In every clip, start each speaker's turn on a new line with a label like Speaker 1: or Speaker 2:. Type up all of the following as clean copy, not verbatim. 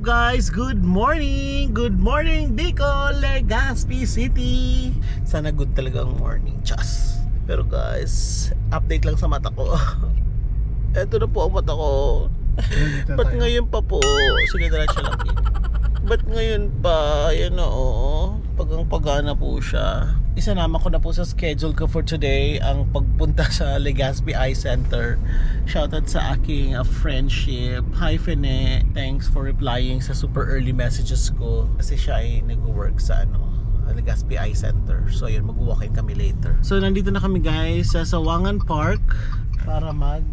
Speaker 1: guys? Good morning! Good morning Bicol, Legazpi City. Sana good talaga ang morning, chas. Pero guys, update lang sa mata ko. Eto na po ang mata ko. Ba't ngayon pa po? Sige, diretso lang din. Ba't ngayon pa? Yan na pagang-pagana po siya. Isanama ko na po sa schedule ko for today ang pagpunta sa Legazpi Eye Center. Shoutout sa aking friendship. Hi Fene, thanks for replying sa super early messages ko. Kasi siya ay nag-work sa Legazpi Eye Center. So yun, mag-walk-in kami later. So nandito na kami guys sa Sawangan Park para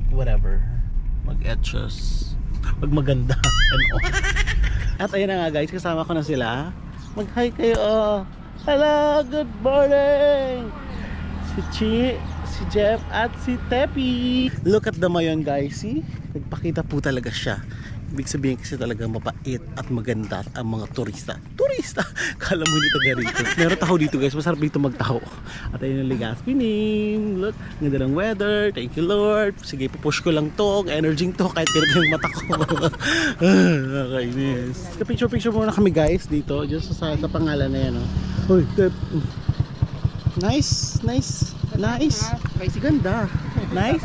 Speaker 1: mag-etchos, magmaganda and all. At ayun na nga guys, kasama ko na sila. Mag-hi kayo. Hello, good morning! Si Chi, si Jeff at si Tepi. Look at the mayon guys, see? Nagpakita po talaga siya. Ibig sabihin kasi talaga mapait at maganda ang mga turista. Turista! Kala mo hindi taga rito. Meron taho dito guys, masarap dito magtaho. At ayun ang Legazpi name. Look, ganda ng weather. Thank you Lord. Sige, pupush ko lang to. Energy to kahit ganito yung mata ko. Nakainis. Picture muna kami guys dito. Just sa pangalan na yan. Hoy, Tep. Nice. Ganda. Nice.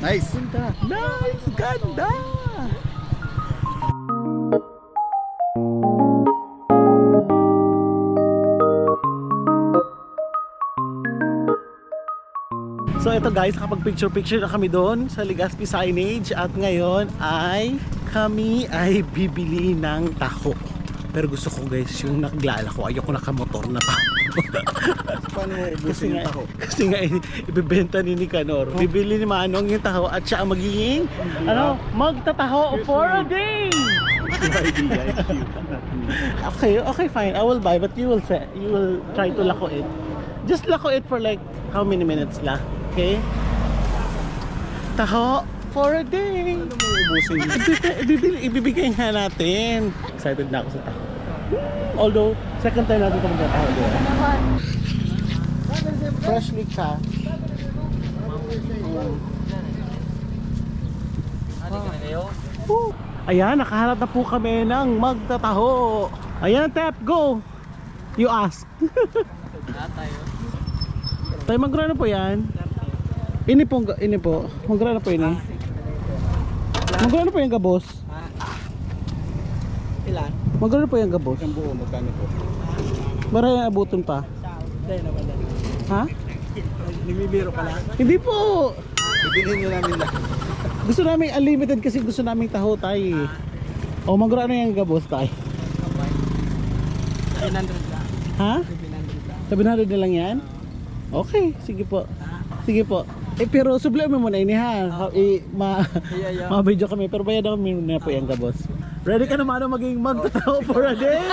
Speaker 1: Ganda. So ito guys, kapag picture na kami doon sa Legazpi signage. At ngayon kami ay bibili ng taho. Pero gusto ko guys yung naglala ko. Ayoko nakamotor na taho.
Speaker 2: Paano mo ubusin yung taho?
Speaker 1: Kasi nga ibibenta ni Nicanor. Bibili ni Manong yung taho at siya ang magiging magtataho for a day. Okay fine, I will buy, but you will try to lako it. Just lako it for like how many minutes lang? Okay? Taho for a day.
Speaker 2: Ano mo ubusin?
Speaker 1: Ibibigay nga natin. Excited na ako sa taho. Although, second time natin ito magtataho doon. Freshly cut. Ayan, nakahanap na po kami ng magtataho. Ayan, Tep, go! You ask. Tayo magkano po yan? Ini po. Magkano po ini? Magkano po yung gabos?
Speaker 2: Ilan?
Speaker 1: Magkano po yung gabos?
Speaker 2: Ang buo, magkano po?
Speaker 1: Maraming abutin pa.
Speaker 2: Hindi naman.
Speaker 1: Ha?
Speaker 2: Nagbibiro ka lang?
Speaker 1: Hindi po.
Speaker 2: Bibilhin nyo namin lang.
Speaker 1: Gusto namin unlimited kasi gusto namin taho tayo. O magkano yung gabos tayo?
Speaker 2: 700 lang.
Speaker 1: Ha? 700 na lang yan? Okay, sige po. Sige po. Pero sublime mo muna ini ha. Ma-video kami pero bayad kami muna po yung gabos. Ready ka naman maging magtataho for a day?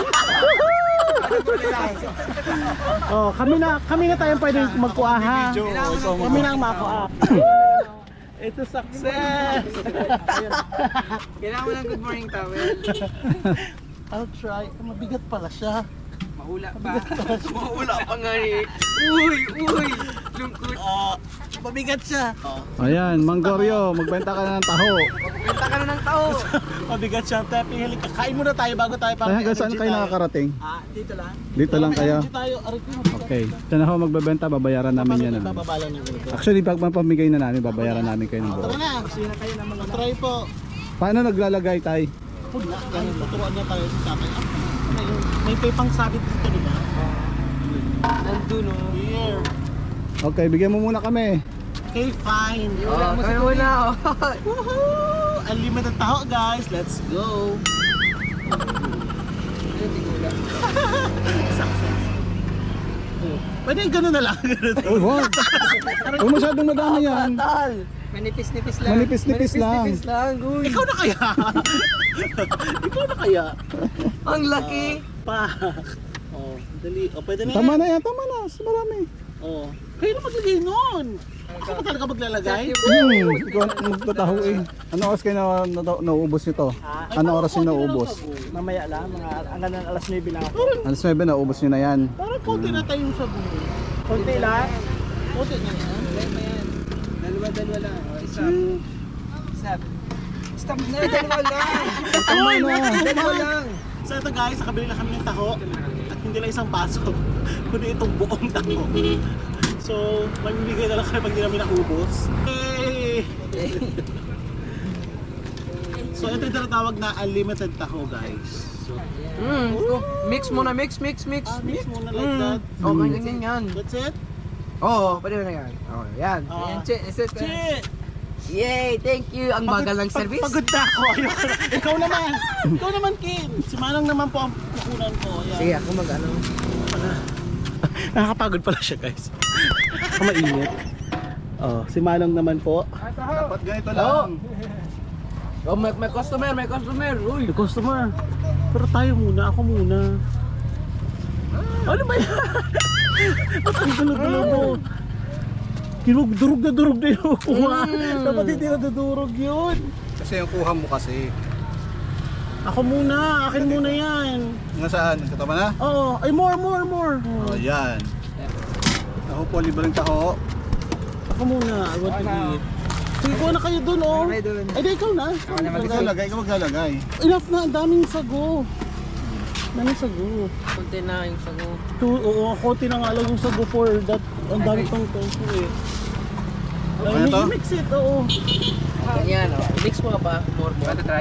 Speaker 1: Oh, kami na tayong pwedeng magkuha ha. Kami na ang makuha. It's a success.
Speaker 2: Kailangan mo ng good morning towel.
Speaker 1: I'll try. Mabigat pala siya.
Speaker 2: Mahula pa. Mahula pa nga eh. Uy, lungkot.
Speaker 1: Mabigat siya.
Speaker 3: Ayan, Manggoryo, magbenta ka na ng taho.
Speaker 2: Benta ka na ng tao.
Speaker 1: Mabigat siya. Tepi, halika. Kain muna tayo bago tayo
Speaker 3: Tayo hanggang saan kayo nakakarating?
Speaker 2: Dito lang.
Speaker 3: Dito lang kayo?
Speaker 1: Tayo.
Speaker 3: Okay. Diyan ako magbebenta, babayaran namin yan.
Speaker 1: Bababala ng ganito.
Speaker 3: Actually, pag mapamigay na namin, babayaran namin kayo ng buo.
Speaker 1: Tara na.
Speaker 2: Sino kayo ng mga
Speaker 1: Try po.
Speaker 3: Paano naglalagay tayo?
Speaker 1: Food na. Ganun. Tuturuan niya tayo sa tatay. May pang sabit dito, di ba?
Speaker 2: nandun o.
Speaker 1: Here.
Speaker 3: Okay, bigyan mo muna kami.
Speaker 1: Okay, fine.
Speaker 2: Kami muna o.
Speaker 1: Woohoo! Unlimited taho guys. Let's go. Success. Pwede yung gano'n na lang.
Speaker 3: Uy, wag. Huwag masyadong madami yan.
Speaker 2: Manipis-nipis lang.
Speaker 3: Manipis-nipis lang.
Speaker 2: Manipis-nipis lang. Uy.
Speaker 1: Ikaw na kaya? Ikaw na kaya?
Speaker 2: Ang laki.
Speaker 1: Pa. Oh, dali. Oh, pwede na
Speaker 3: Tama
Speaker 1: yan.
Speaker 3: na yan, tama na. Marami.
Speaker 1: Oh. Kayo na maglagay nun. Ako pa talaga maglalagay?
Speaker 3: Ikaw ang magtataho eh. Ano oras kayo nauubos nito? Ano oras yung nauubos?
Speaker 2: Mamaya lang. Hanggang alas 9 lang ako.
Speaker 3: Alas 9 nauubos nyo na yan.
Speaker 1: Parang konti na tayong sabon.
Speaker 2: Kunti lang.
Speaker 1: Konti na yan.
Speaker 2: Dalawa lang. O, isa. stop na. Dalawa lang.
Speaker 1: Ay,
Speaker 2: Dalawa lang.
Speaker 1: So ito guys, nakabili na kami ng taho. At hindi lang isang baso, kundi itong buong taho. So, mamimigay na lang kami pag di namin naubos. Hey! So ito yung tinatawag na unlimited taho guys. So,
Speaker 2: Mix muna, mix.
Speaker 1: mix muna like that.
Speaker 2: Okay, ganyan yan.
Speaker 1: That's it?
Speaker 2: Oo, pwede na yan. Oh, yan.
Speaker 1: Ah.
Speaker 2: Yan, Yay, thank you. Ang bagal ng service.
Speaker 1: Pagod na ako. Ayoko na. Ikaw naman, Kim. Si Manong naman po ang pukunan ko. Yan.
Speaker 2: Sige, ako mag-ano.
Speaker 1: Nakakapagod pala siya guys. Mainit. Oh, si Manong naman po.
Speaker 3: Dapat ganito lang.
Speaker 2: Oh, may customer. Uy.
Speaker 1: The customer. Pero tayo muna, ako muna. Ano ba yan? Ba't ang gulo-gulo mo? Durog na yung kuha. Dapat hindi na dudurog yun.
Speaker 3: Kasi yung kuha mo kasi.
Speaker 1: Ako muna, akin muna yan.
Speaker 3: Nasaan? Nagkatama na?
Speaker 1: Oo, ay more.
Speaker 3: Oh, yan. Taho po, libreng taho.
Speaker 1: Ako muna, I want to eat. Sige, kuha na kayo dun, oh.
Speaker 2: Kayo dun.
Speaker 1: Ay, di ikaw na.
Speaker 3: Ikaw lagay, ikaw maglalagay.
Speaker 1: Enough na, ang daming sago. Daming sago.
Speaker 2: Kunti na yung sago.
Speaker 1: Oo, konti na nga lang yung sago for that. Ang dami pang tofu eh.
Speaker 3: Ano to?
Speaker 1: Mix it, oo.
Speaker 2: Ganyan, oh. Mix mo ka pa. More. Want to try?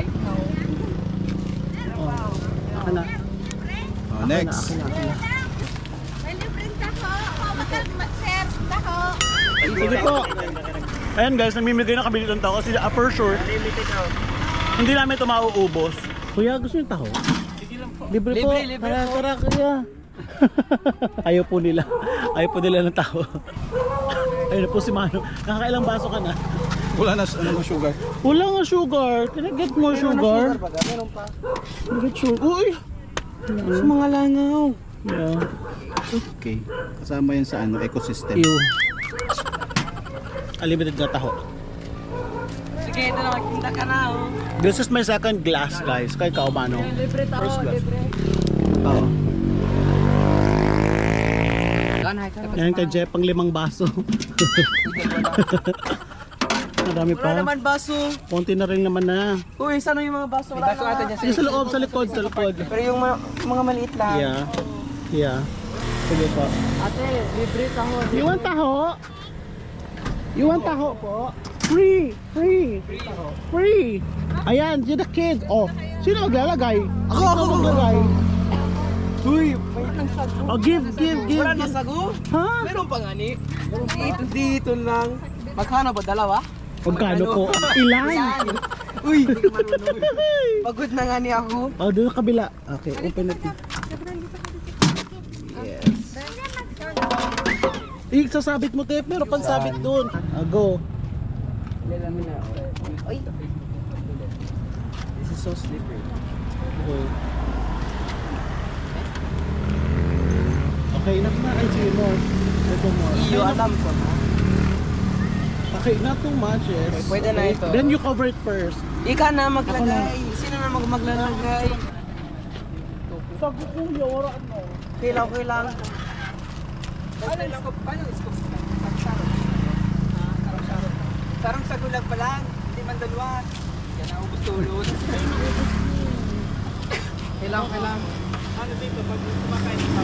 Speaker 1: Ako na.
Speaker 3: Oh, next.
Speaker 1: Ako na.
Speaker 4: May libreng taho. Mag-serve taho.
Speaker 1: Sige po. Ayan guys, namimigay na kami ng taho kasi for sure, hindi namin ito mauubos. Kuya, gusto niyo taho? Libre po.
Speaker 2: Libre po.
Speaker 1: Tara, kuya. Ayaw po nila ng taho. Ayun na po si Mano. Nakakailang baso ka na?
Speaker 3: Wala na ano sugar.
Speaker 1: Wala nga sugar. Can I get more sugar?
Speaker 2: Meron pa.
Speaker 1: Can I get sugar? Uy! Sa mga langaw. Yeah.
Speaker 3: Okay. Kasama yan sa ano, ecosystem.
Speaker 1: Ew. Unlimited na taho.
Speaker 2: Sige, ito na. Magtinda ka na, oh.
Speaker 1: This is my second glass guys. Kay Kao Mano.
Speaker 2: Libre tayo,
Speaker 1: First class.
Speaker 2: libre.
Speaker 1: Oo. Yan kay Jeff ang 5 baso. Marami
Speaker 2: Wala
Speaker 1: pa.
Speaker 2: naman baso.
Speaker 1: Konti na rin naman na.
Speaker 2: Uy, saan yung mga baso? Wala na.
Speaker 1: Yung sa loob, sa likod.
Speaker 2: Pero yung mga maliit lang.
Speaker 1: Yeah. Sige po.
Speaker 2: Ate, libre taho.
Speaker 1: You want taho? You want taho po? Free! Ayan, you're the kid. Oh, sino maglalagay? Ako maglalagay.
Speaker 2: Uy, may lang sago.
Speaker 1: Oh, give.
Speaker 2: Wala na sago?
Speaker 1: Ha?
Speaker 2: Meron pa nga ni. Dito lang. Magkano ba? Dalawa?
Speaker 1: Magkano po? Ilan?
Speaker 2: Uy, hindi ka marunong. Pagod na nga ni ako.
Speaker 1: Oh, doon sa kabila. Okay, open it. Sasabit mo, Tep. Meron pang sabit doon. Go.
Speaker 2: Uy. This is so slippery.
Speaker 1: Okay, enough na. Ay, sige more. Ito more.
Speaker 2: Iyo, alam ko na.
Speaker 1: Okay, not too much, yes.
Speaker 2: Okay, pwede na ito.
Speaker 1: Then you cover it first.
Speaker 2: Ika na maglagay. Sino na maglalagay?
Speaker 1: Sago ko, yora mo.
Speaker 2: Okay lang. Sarang sagulag pa lang. Hindi man dalawa. Yan ang ubus tulot. Kailang. Ano dito? Pag kumakain pa.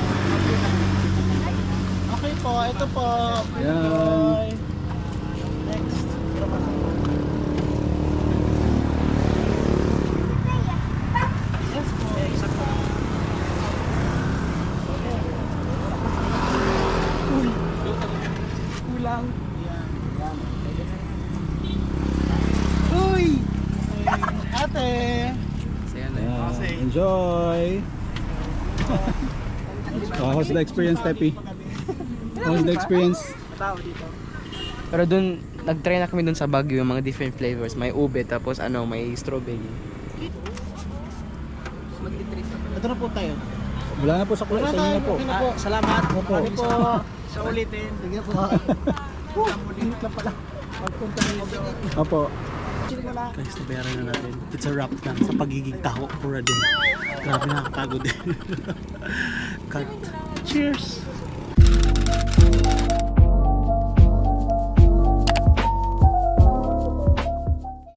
Speaker 1: Okay po, ito po.
Speaker 3: Yan.
Speaker 1: Enjoy. Next. Yes po. Isa po.
Speaker 2: Kulang.
Speaker 1: Uy! Ate!
Speaker 3: Yan. Enjoy. How's the experience, Tepi? How's the experience?
Speaker 2: Pero dun, nag-try na kami dun sa Baguio yung mga different flavors. May ube, tapos may strawberry.
Speaker 1: Ito na po tayo.
Speaker 3: Wala na po sa kulay. Sa inyo na po.
Speaker 1: Okay na po. Salamat.
Speaker 3: Opo.
Speaker 1: Ano po? Sa ulitin. Sige po. Init lang pala. Pagpunta nito.
Speaker 3: Opo.
Speaker 1: Guys, nabayaran na natin. It's a wrap na sa pagiging taho for a day. Grabe nakakapagod din. Cut. Cheers!